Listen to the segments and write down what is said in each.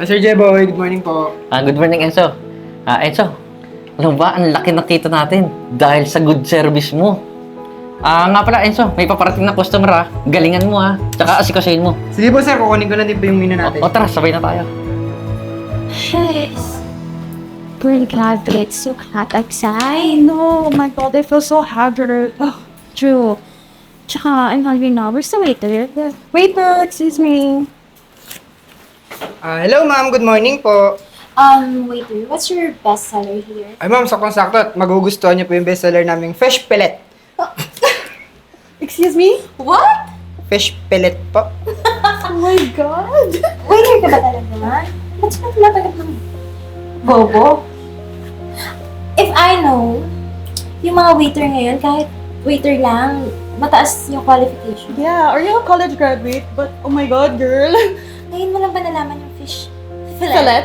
Sir Jeboy, good morning po. Good morning, Enzo. Enzo, alam ba, ang laki ng kita natin dahil sa good service mo. Nga pala, Enzo, may paparating na customer Galingan mo Tsaka asikasahin mo. Sige po sir, kukunin ko na din po yung menu natin. O tara, sabay na tayo. Yes. Pretty glad that it's so hot outside. I know. Oh my God, I feel so haggard. Oh, True. Tsaka, I'm hungry now. Where's the waiter? waiter, excuse me. Hello ma'am, good morning po. Waiter, what's your best seller here? Ay ma'am, saktong-sakto at magugustuhan niyo po yung bestseller naming fish pellet. Excuse me? What? Fish pellet po. Oh my God. Waiter ka ba talaga? Ba't siya pinapagat ng bobo? If I know, yung mga waiter ngayon, kahit waiter lang, mataas yung qualification. Yeah, are you a college graduate? But oh my God, girl. Ngayon mo lang ba nalaman yung fish Filet?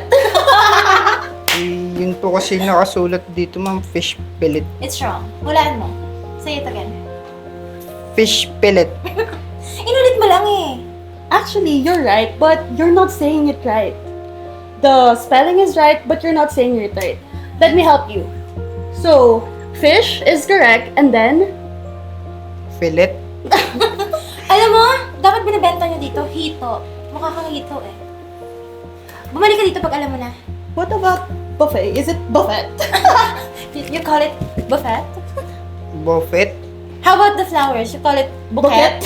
Yun po kasi nakasulat dito ma'am, fish pellet. It's wrong. Hulaan mo. Say it again. Fish pellet. Inulit mo lang eh. Actually, you're right, but you're not saying it right. The spelling is right, but you're not saying it right. Let me help you. So, fish is correct, and then Fillet. Alam mo, dapat binibenta nyo dito, hito. Mukha kang hito eh. Bumalik ka dito pag alam mo na. what about buffet? Is it buffet? You call it buffet? Buffet. How about the flowers? You call it bouquet?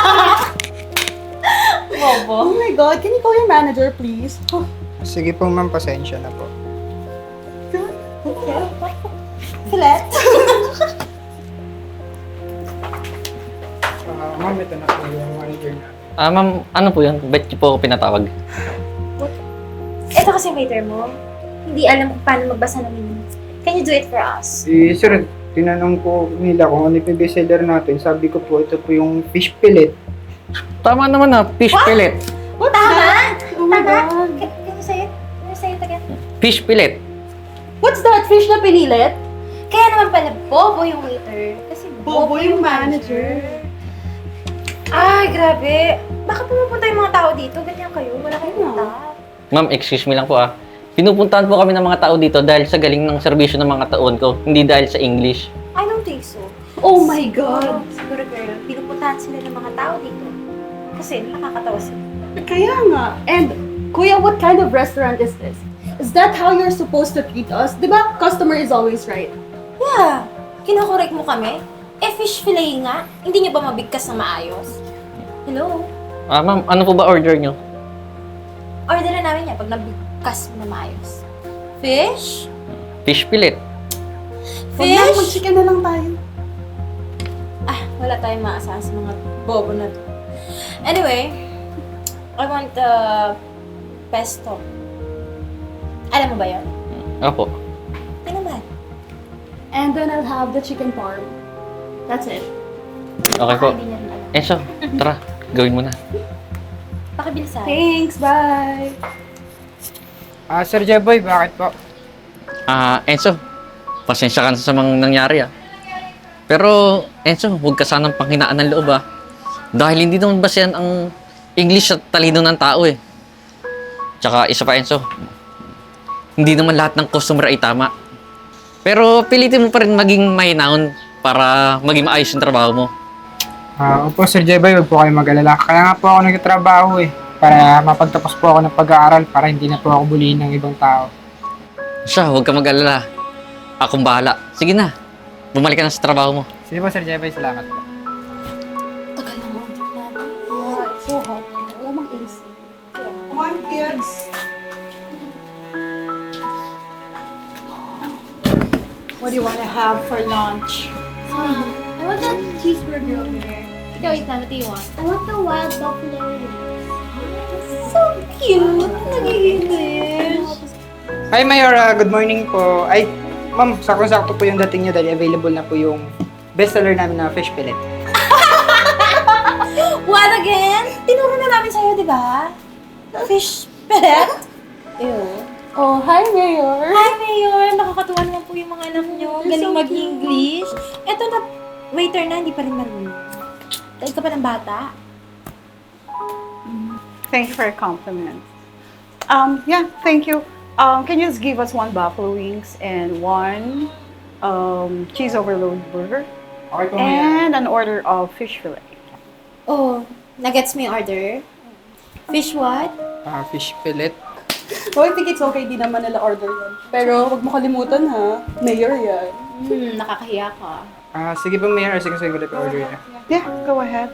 Oh Bobo. my God, can you call your manager, please? Oh, Sige po ma'am, pasensya na po. okay. Filet? Ma'am, ito na po yung manager na. Ma'am, ano po yun? Ba't niyo po ako pinatawag? Ito kasi waiter mo. Hindi alam kung paano magbasa ng menu. Can you do it for us? Sir, tinanong ko nila kung ano yung bestseller natin. Sabi ko po, ito po yung fish pellet. Tama naman fish pellet. What's Tama! that? Oh my Tama! God. Can you say it? Can you say it again? Fish pellet. What's that? Fish na pinilit? Kaya naman pala, bobo yung waiter. Kasi Bobo yung manager. Ay, grabe. Bakit pumupunta yung mga tao dito? Ganyan kayo? Wala kayong Ano? punta. Ma'am, excuse me lang po Pinupuntahan po kami ng mga tao dito dahil sa galing ng serbisyo ng mga taon ko, hindi dahil sa English. I don't think so. Oh my God. Siguro, girl, pinupuntahan sila ng mga tao dito. Kasi nakakatawa sila. Kaya nga. And, Kuya, what kind of restaurant is this? Is that how you're supposed to treat us? Diba, customer is always right? Yeah, kinokorek mo kami. Fish fillet nga. Hindi nyo ba mabigkas na maayos? Hello? Ma'am, ano po ba order nyo? Order na namin yan pag nabigkas mo na maayos. Fish? Fish pellet. Huwag na, Fish? mag-chicken na lang tayo. Wala tayong maasahan sa mga bobo na to. Anyway, I want pesto. Alam mo ba yun? Opo. Ano ba? And then I'll have the chicken parm. That's it. Okay po. Hindi niya rin alam. Enzo, tara. Gawin mo na. Pakibilisan. Thanks, bye! Sir Jeboy, bakit po? Enzo, pasensya ka na sa mga nangyari Pero, Enzo, huwag ka sanang panghinaan ng loob Dahil hindi naman basehan ang English at talino ng tao Tsaka isa pa, Enzo, hindi naman lahat ng customer ay tama. Pero pilitin mo pa rin maging mahinahon para maging maayos yung trabaho mo. Opo, Sir Jeboy, huwag po kayo mag-alala. Kaya nga po ako nagtatrabaho para mapagtapos po ako ng pag-aaral para hindi na po ako bulihin ng ibang tao. Siya, huwag ka mag-alala. Akong bahala. Sige na, bumalik ka na sa trabaho mo. Sige po, Sir Jeboy, salamat po. Tagal na mo. Yeah, it's so hot. Wala mang AC. Come on, kids! What do you want to have for lunch? I want that cheeseburger over there. Ikaw, Ethan, what do you want? I want the wild buffalo wings. So cute! Nag-English! Hi, Mayor. Good morning po. Ay, ma'am, sakto-sakto po yung dating niyo dahil available na po yung bestseller namin na fish pellet. What again? Tinuro na namin sa'yo, di ba? Fish pellet? Ew. Oh, hi, Mayor! Hi, Mayor! Nakakatuwa naman po yung mga anak nyo. Galing mag-English. Eto na, waiter na, hindi pa rin marunong. Dahil ka pa ng bata. Thank you for your compliment. Yeah, thank you. Can you just give us 1 buffalo wings and 1 cheese overload burger Okay po, Mayor. and an order of fish fillet. Oh, nagets mo yung order? Fish what? Fish fillet. Oh, I think it's okay, di naman nila order yan. Pero huwag mo kalimutan ha, mayor yan. Nakakahiya ka. Sige po, Mayor. Sige, ko na order niya. Yeah, go ahead.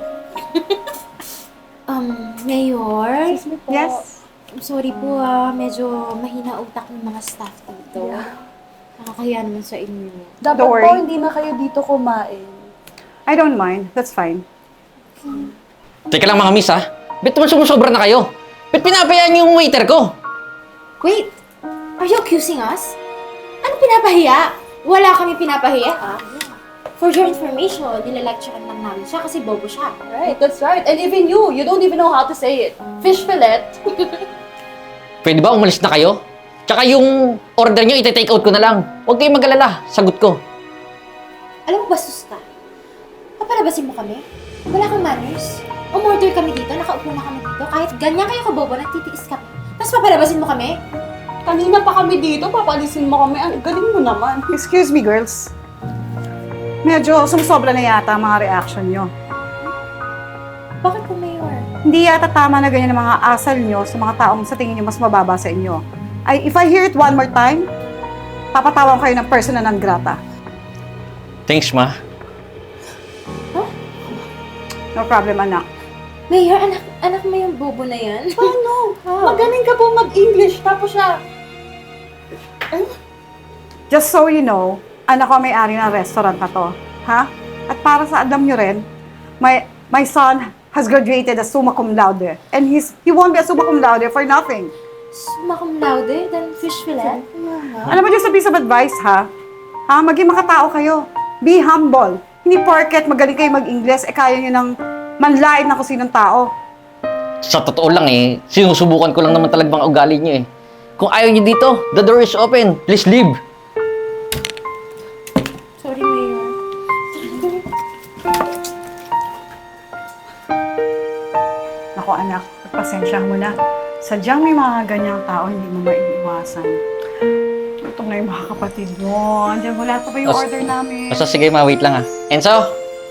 Mayor? Yes. I'm sorry po medyo mahina utak ng mga staff dito. Nakakahiya naman sa inyo. Dapat Don't worry. po, hindi na kayo dito kumain. I don't mind. That's fine. Teka lang mga miss ha. Ba't naman sumusobra na kayo? Ba't pinapayaan niyo yung waiter ko? Wait! Are you accusing us? Ano pinapahiya? Wala kami pinapahiya, ha? For your information, nilalecturean lang namin siya kasi bobo siya. Right, that's right. And even you don't even know how to say it. Fish fillet. Pwede ba umalis na kayo? Tsaka yung order niyo, iti-take out ko na lang. Huwag kayong mag-alala. Sagot ko. Alam mo, bastos ka. Papalabasin mo kami? Wala kang manners. Umorder kami dito, nakaupo na kami dito. Kahit ganyan kayo kabobo, nagtitiis kami. Tapos papalabasin mo kami? Kanina pa kami dito, papalisin mo kami. Ang galing mo naman. Excuse me, girls. Medyo sumusobra na yata ang mga reaction nyo. Bakit po, Mayor? Hindi yata tama na ganyan ang mga asal nyo sa mga taong sa tingin nyo mas mababa sa inyo. If I hear it one more time, papatawan kayo ng persona non grata. Thanks, ma. No problem, anak. Mayor, anak mo yung bobo na yan? Paano? How? Magaling ka po mag-English, tapos siya. Just so you know, anak ko may-ari ng restaurant na to. Ha? At para sa alam nyo rin, my son has graduated as summa cum laude. And he won't be a summa cum laude for nothing. Summa cum laude, then fish fillet? Alam mo, just a piece of advice, ha? Ha? Maging makatao kayo. Be humble. Hindi porket magaling kayo mag-Ingles, kaya nyo ng manlait na kung sinong tao. Sa totoo lang sinusubukan ko lang naman talagang ugali niyo Kung ayaw niyo dito, the door is open. Please leave. Sorry, Mayor. Ako anak, pasensya mo na. Sadyang may mga ganyang tao, hindi mo maiiwasan. Ito na yung mga kapatid mo. Andiyan wala pa ba yung order namin? Basta sige ma, wait lang Enzo?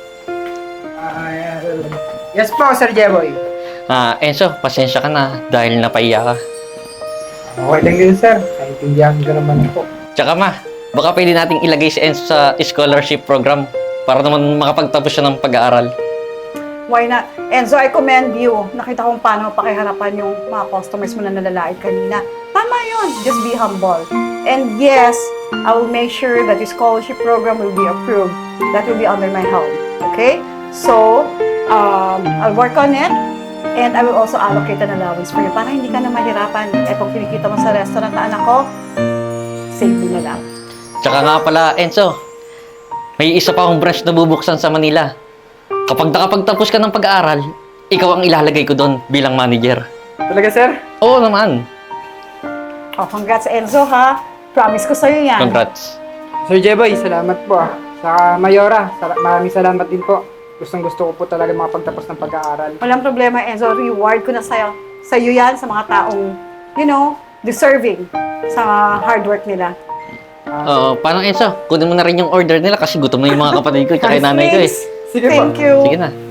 Yes po, Sir Jeboy. Enzo, pasensya ka na dahil napaiya ka. Okay lang yun, sir. Naintindihan ko naman po. Tsaka ma, baka pwede nating ilagay si Enzo sa scholarship program para naman makapagtapos siya ng pag-aaral. Why not? Enzo, I commend you. Nakita kong paano pakiharapan yung mga customers mo na nalalait kanina. Tama yun. Just be humble. And yes, I will make sure that your scholarship program will be approved. That will be under my helm. Okay? So, I'll work on it. And I will also allocate an allowance for you para hindi ka na mahirapan. Eh, kung kinikita mo sa restaurant na anak ko, save mo na lang. Tsaka nga pala, Enzo, may isa pa akong branch na bubuksan sa Manila. Kapag nakapagtapos ka ng pag-aaral, ikaw ang ilalagay ko doon bilang manager. Talaga, sir? Oo naman. Oh, congrats Enzo ha. Promise ko sa'yo yan. Congrats. Sir Jeboy, salamat po Sa Mayora, maraming salamat din po. Gustong-gusto ko po talaga makapagtapos ng pag-aaral. Walang problema, Enzo. Reward ko na sa'yo yan sa mga taong, deserving sa hard work nila. Oo, paano Enzo? Kunin mo na rin yung order nila kasi gutom na yung mga kapatid ko tsaka yung nanay ko Sige po. Thank you. Sige na.